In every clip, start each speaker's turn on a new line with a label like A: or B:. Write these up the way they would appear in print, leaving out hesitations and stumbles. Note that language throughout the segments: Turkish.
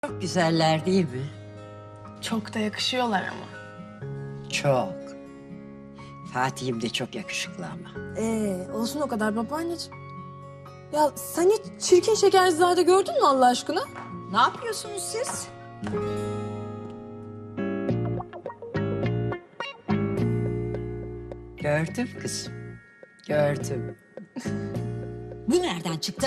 A: Çok güzeller değil mi?
B: Çok da yakışıyorlar ama.
A: Çok. Fatih'im de çok yakışıklı ama.
B: Olsun o kadar babaanneciğim. Ya sen hiç çirkin Şekerzade gördün mü Allah aşkına?
C: Ne yapıyorsunuz siz?
A: Gördüm kızım. Gördüm.
C: Bu nereden çıktı?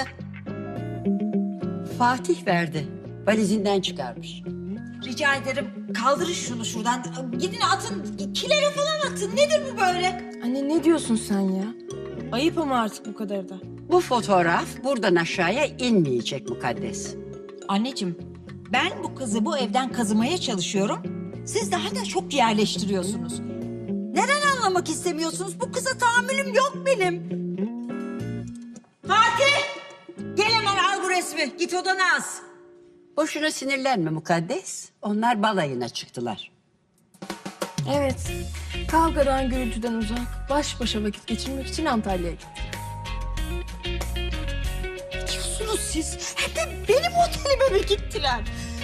A: Fatih verdi. Valizinden çıkarmış.
C: Rica ederim kaldırın şunu şuradan. Gidin atın, kilere falan atın. Nedir bu böyle?
B: Anne ne diyorsun sen ya? Ayıp ama artık bu kadar da.
A: Bu fotoğraf buradan aşağıya inmeyecek mukaddes.
C: Anneciğim, ben bu kızı bu evden kazımaya çalışıyorum. Siz daha da çok yerleştiriyorsunuz. Neden anlamak istemiyorsunuz? Bu kıza tahammülüm yok benim. Fatih! Gel hemen al bu resmi. Git odana as.
A: Boşuna sinirlenme mukaddes. Onlar balayına çıktılar.
B: Evet. Kavgadan, gürültüden uzak, baş başa vakit geçirmek için Antalya'ya gittim.
C: Ne diyorsunuz siz? Hep de benim otelime mi gittiler?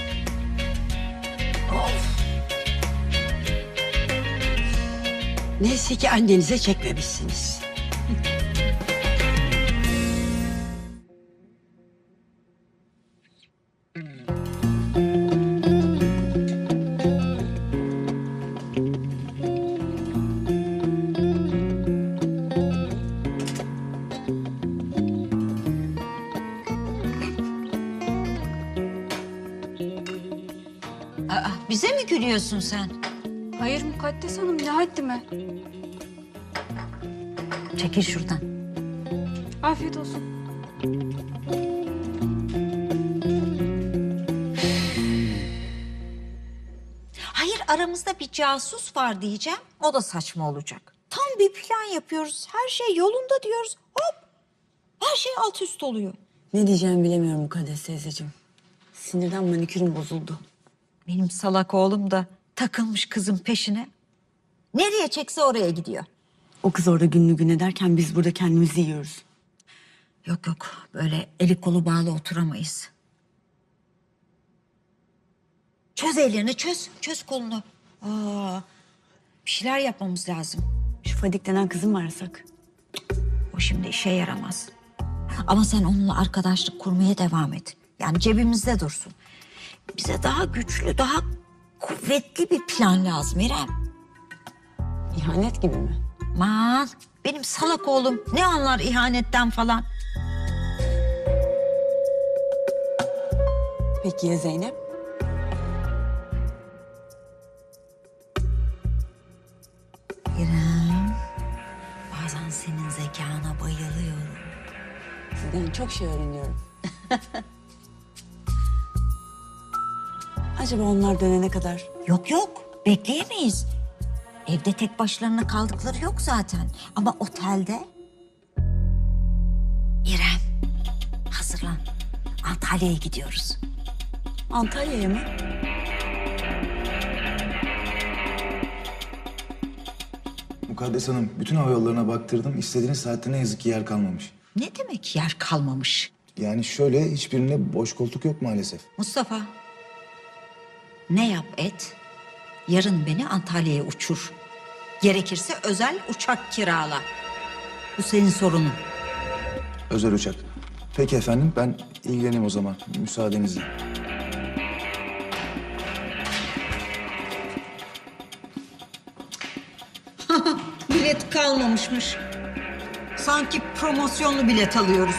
A: Neyse ki annenize çekmemişsiniz.
C: Aa, bize mi gülüyorsun sen?
D: Hayır Mukaddes Hanım, ne haddime.
C: Çekil şuradan.
D: Afiyet olsun.
C: Hayır, aramızda bir casus var diyeceğim. O da saçma olacak. Tam bir plan yapıyoruz. Her şey yolunda diyoruz. Hop! Her şey alt üst oluyor.
E: Ne diyeceğimi bilemiyorum Mukaddes teyzeciğim. Sinirden manikürüm bozuldu.
C: Benim salak oğlum da takılmış kızın peşine. Nereye çekse oraya gidiyor.
E: O kız orada günlü gün ederken biz burada kendimizi yiyoruz.
C: Yok yok, böyle eli kolu bağlı oturamayız. Çöz ellerini, çöz kolunu. Bir şeyler yapmamız lazım.
E: Şu Fadik denen kızı mı arasak?
C: O şimdi işe yaramaz. Ama sen onunla arkadaşlık kurmaya devam et. Yani cebimizde dursun. Bize daha güçlü, daha kuvvetli bir plan lazım İrem.
E: İhanet gibi mi?
C: Aman benim salak oğlum ne anlar ihanetten falan.
E: Peki ya Zeynep?
C: İrem, bazen senin zekana bayılıyorum.
E: Sizden çok şey öğreniyorum. Acaba onlar dönene kadar?
C: Yok yok, bekleyemeyiz. Evde tek başlarına kaldıkları yok zaten. Ama otelde... İrem, hazırlan. Antalya'ya gidiyoruz.
E: Antalya'ya mı?
F: Mukaddes Hanım, bütün hava yollarına baktırdım. İstediğiniz saatte ne yazık ki yer kalmamış.
C: Ne demek yer kalmamış?
F: Yani şöyle, hiçbirinde boş koltuk yok maalesef.
C: Mustafa, ne yap et, yarın beni Antalya'ya uçur. Gerekirse özel uçak kirala. Bu senin sorunun.
F: Özel uçak. Peki efendim, ben ilgileneyim o zaman. Müsaadenizle.
C: Bilet kalmamışmış. Sanki promosyonlu bilet alıyoruz.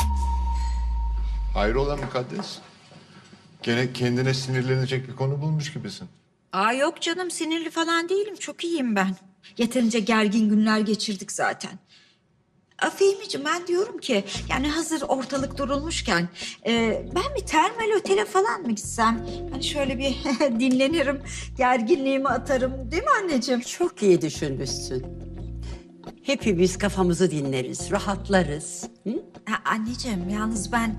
G: Hayrola mukaddes? Gene kendine sinirlenecek bir konu bulmuş gibisin.
C: Aa yok canım, sinirli falan değilim. Çok iyiyim ben. Yeterince gergin günler geçirdik zaten. Fehmi'ciğim, ben diyorum ki yani hazır ortalık durulmuşken ben bir termal otele falan mı gitsem? Hani şöyle bir dinlenirim, gerginliğimi atarım, değil mi anneciğim?
A: Çok iyi düşünmüşsün. Hepimiz kafamızı dinleriz, rahatlarız. Hı?
C: Anneciğim, yalnız ben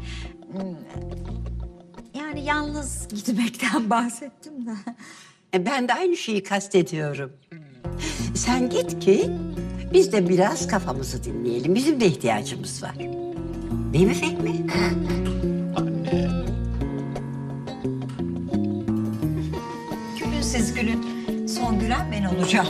C: yani yalnız gitmekten bahsettim de.
A: Ben de aynı şeyi kastediyorum. Sen git ki biz de biraz kafamızı dinleyelim. Bizim de ihtiyacımız var. Değil mi Fehmi?
C: siz gülün. Son gülen ben olacağım.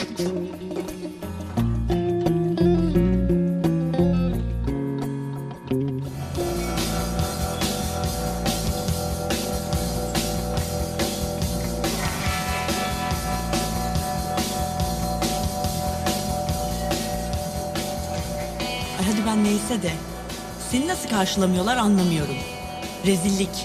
E: Ay hadi ben neyse de. Seni nasıl karşılamıyorlar anlamıyorum. Rezillik.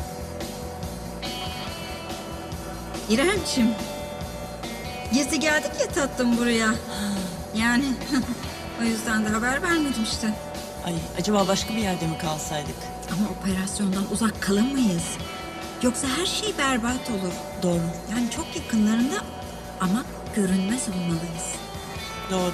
C: İremciğim. Gezi geldik ya tatlım buraya. Yani o yüzden de haber vermedim işte.
E: Ay acaba başka bir yerde mi kalsaydık?
C: Ama operasyondan uzak kalamayız. Yoksa her şey berbat olur.
E: Doğru,
C: Yani çok yakınlarında ama görünmez olmalıyız.
E: doğru.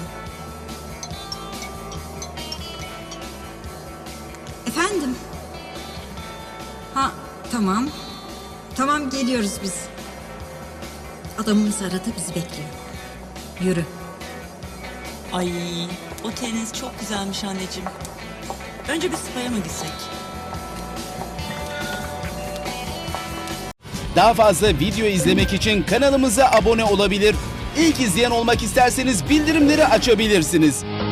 C: Efendim? Ha tamam. Tamam geliyoruz biz. Adamımız aradı bizi bekliyor. Yürü.
E: Ay oteliniz çok güzelmiş anneciğim. Önce bir spa'ya mı gitsek?
H: Daha fazla video izlemek için kanalımıza abone olabilir. İlk izleyen olmak isterseniz bildirimleri açabilirsiniz.